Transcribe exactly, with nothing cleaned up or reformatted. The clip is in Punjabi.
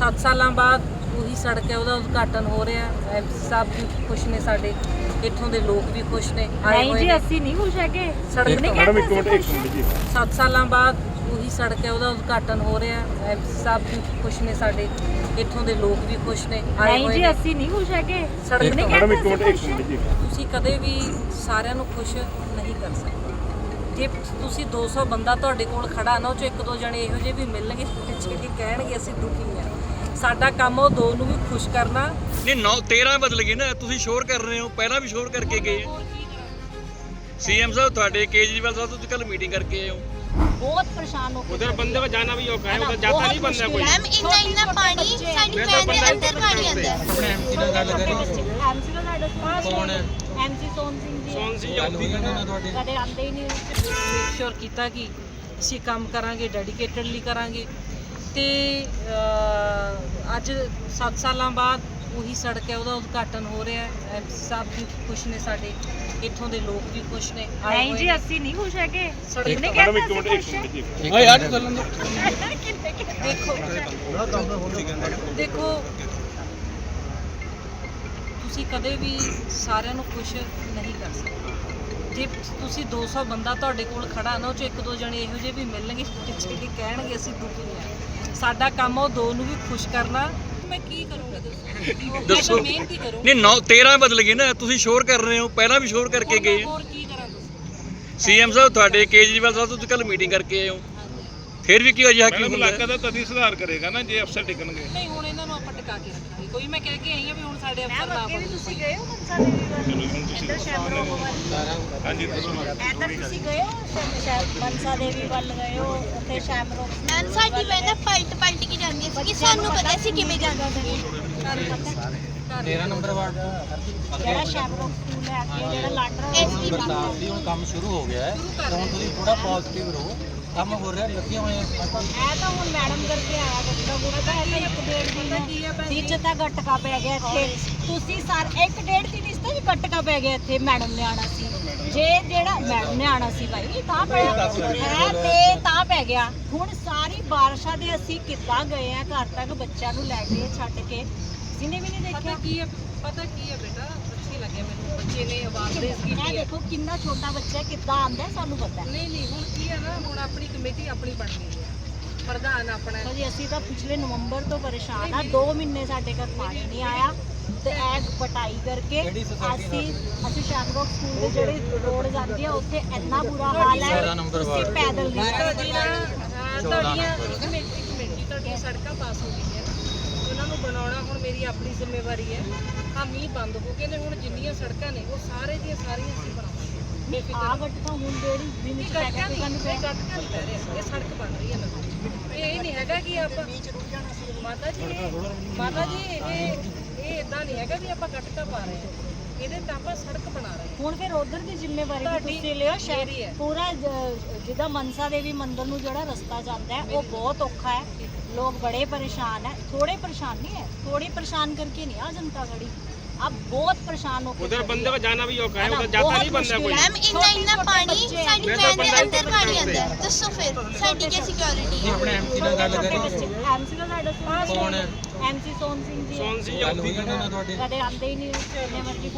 ਸੱਤ ਸਾਲਾਂ ਬਾਅਦ ਉਹੀ ਸੜਕ ਹੈ, ਉਹਦਾ ਉਦਘਾਟਨ ਹੋ ਰਿਹਾ। ਐਮਸੀ ਸਾਹਿਬ ਵੀ ਖੁਸ਼ ਨੇ, ਸਾਡੇ ਇੱਥੋਂ ਦੇ ਲੋਕ ਵੀ ਖੁਸ਼ ਨੇ। ਨਹੀਂ ਜੀ, ਅਸੀਂ ਨਹੀਂ ਖੁਸ਼ ਹੈਗੇ। ਸੜਕ ਨਹੀਂ ਮੈਡਮ ਇੱਕ ਮਿੰਟ ਇੱਕ ਮਿੰਟ ਜੀ ਸੱਤ ਸਾਲਾਂ ਬਾਅਦ ਉਹੀ ਸੜਕ ਹੈ, ਉਹਦਾ ਉਦਘਾਟਨ ਹੋ ਰਿਹਾ। ਐਮਸੀ ਸਾਹਿਬ ਵੀ ਖੁਸ਼ ਨੇ, ਸਾਡੇ ਇੱਥੋਂ ਦੇ ਲੋਕ ਵੀ ਖੁਸ਼ ਨੇ। ਨਹੀਂ ਜੀ, ਅਸੀਂ ਨਹੀਂ ਖੁਸ਼ ਹੈਗੇ। ਸੜਕ ਨਹੀਂ ਮੈਡਮ ਇੱਕ ਮਿੰਟ ਇੱਕ ਮਿੰਟ ਜੀ ਤੁਸੀਂ ਕਦੇ ਵੀ ਸਾਰਿਆਂ ਨੂੰ ਖੁਸ਼ ਨਹੀਂ ਕਰ ਸਕਦੇ। ਜੇ ਤੁਸੀਂ ਦੋ ਸੌ ਬੰਦਾ ਤੁਹਾਡੇ ਕੋਲ ਖੜਾ ਨਾ, ਉਹ 'ਚ ਇੱਕ ਦੋ ਜਣੇ ਇਹੋ ਜਿਹੇ ਵੀ ਮਿਲਣਗੇ ਜਿਹੜੇ ਕਹਿਣਗੇ ਅਸੀਂ ਦੁਖੀ ਹਾਂ। ਸਾਡਾ ਕੰਮ ਉਹ ਦੋ ਨੂੰ ਵੀ ਖੁਸ਼ ਕਰਨਾ। ਨਹੀਂ ਨੌ ਤੇਰਾਂ ਬਦਲ ਗਏ ਨਾ, ਤੁਸੀਂ ਸ਼ੋਰ ਕਰ ਰਹੇ ਹੋ, ਪਹਿਲਾਂ ਵੀ ਸ਼ੋਰ ਕਰਕੇ ਗਏ। सीएम साहब ਤੁਹਾਡੇ केजरीवाल साहब तो कल मीटिंग करके आए हो। बहुत परेशान हो उधर बंदे को जाना भी औखा है, उधर जाता नहीं बंदा कोई। मैम इतना इतना पानी साडी वैन दे अंदर पानी आंदा है। अपने एमसी ਨਾਲ ਗੱਲ ਕਰੀ एमसी ਦਾ ਸਾਡੇ ਪਾਸ ਕੌਣ ਹੈ? एमसी सोन सिंह जी ਸੋਨ ਸੀ ਜੋਤੀ ਨਾਲ ਤੁਹਾਡੇ ਕਦੇ ਆਉਂਦੇ ਹੀ ਨਹੀਂ। ਮੇਕ ਸ਼ੋਰ ਕੀਤਾ ਕਿ ਅਸੀਂ ਕੰਮ ਕਰਾਂਗੇ, ਡੈਡੀਕੇਟਡਲੀ ਕਰਾਂਗੇ। ਤੇ ਅਹ, ਅੱਜ ਸੱਤ ਸਾਲਾਂ ਬਾਅਦ ਉਹੀ ਸੜਕ ਹੈ, ਉਹਦਾ ਉਦਘਾਟਨ ਹੋ ਰਿਹਾ। ਐਮਸੀ ਸਾਹਿਬ ਵੀ ਖੁਸ਼ ਨੇ, ਸਾਡੇ ਇੱਥੋਂ ਦੇ ਲੋਕ ਵੀ ਖੁਸ਼ ਨੇ। ਨਹੀਂ ਜੀ, ਅਸੀਂ ਨਹੀਂ ਖੁਸ਼ ਹੈਗੇ। ਸੜਕ ਨਹੀਂ ਮੈਡਮ ਇੱਕ ਮਿੰਟ ਇੱਕ ਮਿੰਟ ਜੀ ਓਏ ਯਾਰ ਚੱਲਣ ਦੋ। ਦੇਖੋ ਦੇਖੋ ਤੁਸੀਂ ਕਦੇ ਵੀ ਸਾਰਿਆਂ ਨੂੰ ਖੁਸ਼ ਨਹੀਂ ਕਰ ਸਕਦੇ। ਜੇ ਤੁਸੀਂ ਦੋ ਸੌ ਬੰਦਾ ਤੁਹਾਡੇ ਕੋਲ ਖੜਾ ਨਾ, ਉਹ 'ਚ ਇੱਕ ਦੋ ਜਣੇ ਇਹੋ ਜਿਹੇ ਵੀ ਮਿਲਣਗੇ ਜਿਹੜੇ ਕਹਿਣਗੇ ਅਸੀਂ ਦੁਖੀ ਹਾਂ। ਸਾਡਾ ਕੰਮ ਉਹ ਦੋ ਨੂੰ ਵੀ ਖੁਸ਼ ਕਰਨਾ। ਮੈਂ ਕੀ ਕਰੂੰਗੀ ਦੱਸੋ ਦੱਸੋ। ਮਿਹਨਤ ਹੀ ਕਰੂੰਗੀ। ਨਹੀਂ ਨੌ ਤੇਰਾਂ ਬਦਲ ਗਏ ਨਾ, ਤੁਸੀਂ ਸ਼ੋਰ ਕਰ ਰਹੇ ਹੋ, ਪਹਿਲਾਂ ਵੀ ਸ਼ੋਰ ਕਰਕੇ ਗਏ। ਹੋਰ ਕੀ ਕਰਾਂ ਤੁਸੀਂ? ਸੀਐਮ ਸਾਹਿਬ ਤੁਹਾਡੇ केजरीवाल ਸਾਹਿਬ ਤੋਂ ਕੱਲ ਮੀਟਿੰਗ ਕਰਕੇ ਆਏ ਹੋ, ਫਿਰ ਵੀ ਕੀ ਅਜਿਹਾ ਕੀ ਮੈਡਮ ਹੁੰਦਾ? ਇਲਾਕਾ ਦਾ ਤਦੀ ਸੁਧਾਰ ਕਰੇਗਾ ਨਾ ਜੇ ਅਫਸਰ ਟਿਕਣਗੇ। ਨਹੀਂ ਹੁਣ ਇਹਨਾਂ ਨੂੰ ਆਪਾਂ ਟਿਕਾ ਕੇ ਰੱਖਾਂਗੇ। ਕੋਈ ਮੈਂ ਕਹਿ ਕੇ ਆਈ ਹਾਂ ਵੀ ਹੁਣ ਸਾਡੇ ਅਫਸਰ ਨਾ ਅੱਗੇ ਵੀ ਬਣੋ। ਤੁਸੀਂ ਗਏ ਹੋ ਮਨਸਾ ਦੇਵੀ ਵੱਲ? ਇੱਧਰ ਸ਼ੈਮਰੋ ਵੱਲ ਹਾਂਜੀ ਇੱਧਰ ਤੁਸੀਂ ਗਏ ਹੋ? ਸ਼ਾਇਦ ਮਨਸਾ ਦੇਵੀ ਵੱਲ ਗਏ ਹੋ, ਉੱਥੇ ਸ਼ੈਮਰੋ मैम साडी वैन ना पलट पलट के जांदी सी कि सानू पता सी किवें जांदा सी। तेरह नंबर वार्ड ਜਿਹੜਾ ਸ਼ੈਮਰੋ ਸਕੂਲ ਹੈ ਅੱਗੇ, ਜਿਹੜਾ ਲਾਂਡਰਾ ਐਸਪੀ बरसात भी ਹੁਣ ਕੰਮ ਸ਼ੁਰੂ ਹੋ ਗਿਆ ਹੈ ਤੇ ਹੁਣ ਤੁਸੀਂ ਥੋੜਾ ਪੋਜ਼ਿਟਿਵ ਰਹੋ, ਕੰਮ ਹੋ ਰਿਹਾ, ਲੱਗੀਆਂ ਹੋਈਆਂ। ਇਹ ਤਾਂ ਹੁਣ ਮੈਡਮ ਕਰਕੇ ਆਇਆ ਗੱਟਕਾ ਗੁੜਾ ਤਾਂ ਇਹ ਤਾਂ ਇੱਕ ਡੇਢ ਦਿਨ ਵਿੱਚ ਤਾਂ ਗੱਟਕਾ ਪੈ ਗਿਆ ਇੱਥੇ। ਤੁਸੀਂ ਸਰ ਇੱਕ ਡੇਢ ਦਿਨ ਇਸ ਤੋਂ ਗੱਟਕਾ ਪੈ ਗਿਆ ਇੱਥੇ। ਮੈਡਮ ਨੇ ਆਣਾ ਸੀ, ਜੇ ਜਿਹੜਾ ਮੈਡਮ ਨੇ ਆਣਾ ਸੀ ਭਾਈ ਤਾਂ ਪੈ ਹੈ ਤੇ ਤਾਂ ਪੈ ਗਿਆ। ਹੁਣ ਸਾਰੀ ਬਾਰਿਸ਼ਾਂ ਦੇ ਅਸੀਂ ਕਿੱਦਾਂ ਗਏ ਆ ਘਰ ਤੱਕ ਬੱਚਿਆਂ ਨੂੰ ਲੈ ਕੇ ਛੱਡ ਕੇ, ਕਿਸੇ ਨੇ ਵੀ ਨਹੀਂ ਪਤਾ ਦੇਖਿਆ। ਕੀ ਹੈ ਪਤਾ ਕੀ ਹੈ ਬੇਟਾ, ਅੱਛੀ ਲੱਗਿਆ ਮੈਨੂੰ ਬੱਚੇ ਨੇ ਆਵਾਜ਼ ਦੇ ਇਹ ਕੀਤੀ ਹੈ। ਦੇਖੋ ਕਿੰਨਾ ਛੋਟਾ ਬੱਚਾ ਹੈ, ਕਿੱਦਾਂ ਆਂਦਾ ਸਾਨੂੰ ਪਤਾ ਹੈ। ਨਹੀਂ ਨਹੀਂ ਹੁਣ ਕੀ ਹੈ ਨਾ, ਹੁਣ ਆਪਣੀ ਕਮੇਟੀ ਆਪਣੀ ਬਣ ਗਈ ਹੈ, ਪ੍ਰਧਾਨ ਆਪਣਾ ਹੈ। ਭਾਜੀ ਅਸੀਂ ਤਾਂ ਪਿਛਲੇ ਨਵੰਬਰ ਤੋਂ ਪਰੇਸ਼ਾਨ ਆ। ਦੋ ਮਹੀਨੇ ਸਾਡੇ ਘਰ ਪਾਣੀ ਨਹੀਂ ਆਇਆ ਤੇ ਇਹ ਪਟਾਈ ਕਰਕੇ ਅਸੀਂ ਅਸੀਂ ਸ਼ਾਮਰੋਕ ਸਕੂਲ ਦੇ ਜਿਹੜੇ ਰੋਡ ਜਾਂਦੀ ਆ ਉੱਥੇ ਇੰਨਾ ਬੁਰਾ ਹਾਲ ਹੈ, ਅਸੀਂ ਪੈਦਲ ਨਹੀਂ ਜਾ ਸਕਦੇ। ਤੁਹਾਡੀਆਂ ਤੁਹਾਡੀਆਂ ਕਮੇਟੀ ਕਮੇਟੀ ਤੁਹਾਡੀਆਂ ਸੜਕਾਂ ਪਾਸ ਹੋ ਗਈਆਂ, ਉਹਨਾਂ ਨੂੰ ਬਣਾਉਣਾ ਹੁਣ ਮੇਰੀ ਆਪਣੀ ਜ਼ਿੰਮੇਵਾਰੀ ਹੈ। ਆ ਮੀਂਹ ਬੰਦ ਹੋ ਗਏ ਨੇ, ਹੁਣ ਜਿੰਨੀਆਂ ਸੜਕਾਂ ਨੇ ਉਹ ਸਾਰੇ ਦੀਆਂ ਸਾਰੀਆਂ ਅਸੀਂ ਬਣਾਵਾਂਗੇ। ਆ ਗੱਟਕਾ ਹੁਣ ਜਿਹੜੀ ਦਿਨ ਇਹ ਚ ਪੈ ਗੱਟਕਾ ਗਿਆ ਨਹੀਂ, ਸਾਨੂੰ ਇਹ ਗੱਟਕਾ ਨਹੀਂ ਪੈ ਰਿਹਾ, ਇਹ ਸੜਕ ਬਣ ਰਹੀ ਹੈ ਨਵੀਂ। ਇਹ ਇਹ ਨਹੀਂ ਹੈਗਾ ਕਿ ਆਪਾਂ ਮਾਤਾ ਜੀ ਇਹ- ਮਾਤਾ ਜੀ ਇਹ ਇਹ ਇਦਾਂ ਨਹੀਂ ਹੈਗਾ ਵੀ ਆਪਾਂ ਗੱਟਕਾ ਪਾ ਰਹੇ ਹਾਂ, ਇਹਦੇ ਤਾਂ ਆਪਾਂ ਸੜਕ ਬਣਾ ਰਹੇ ਹਾਂ। ਹੁਣ ਫਿਰ ਉਧਰ ਦੀ ਜ਼ਿੰਮੇਵਾਰੀ ਵੀ ਤੁਹਾਡੀ ਤੁਸੀਂ ਲਿਓ। ਮੇਰੀ ਸ਼ਹਿਰੀ ਹੈ। ਪੂਰਾ ਜ- ਜਿੱਦਾਂ ਮਨਸਾ ਦੇਵੀ ਮੰਦਿਰ ਨੂੰ ਜਿਹੜਾ ਰਸਤਾ ਜਾਂਦਾ ਹੈ ਉਹ ਬਹੁਤ ਔਖਾ ਹੈ। ਲੋਕ ਬੜੇ परेशान है, थोड़े परेशान नहीं है, थोड़ी परेशान करके नहीं आ जनता खड़ी, अब बहुत परेशान होकर उधर बंदे को जाना भी औखा है, है ना, उधर जाता बहुत नहीं बंदा मुश्किल कोई। है। मैम इतना इतना छोटे पानी बच्चे साडी हैं। वैन दे बंदा अंदर इतना पानी परेशान आंदा है। दसो फिर साडी क्या सिक्योरिटी है? ਆਪਣੇ ਐਮਸੀ ਨਾਲ ਗੱਲ ਕਰੀ एमसी का साडा ਕੌਣ ਹੈ? एमसी सोन सिंह जी ਸੋਨ ਸੀ ਗੱਲ ਜੋਤੀ ਹੋਈ ਉਹਨਾਂ ਨਾਲ ਤੁਹਾਡੀ? कदे आंदे ही नहीं जिन्ने मर्जी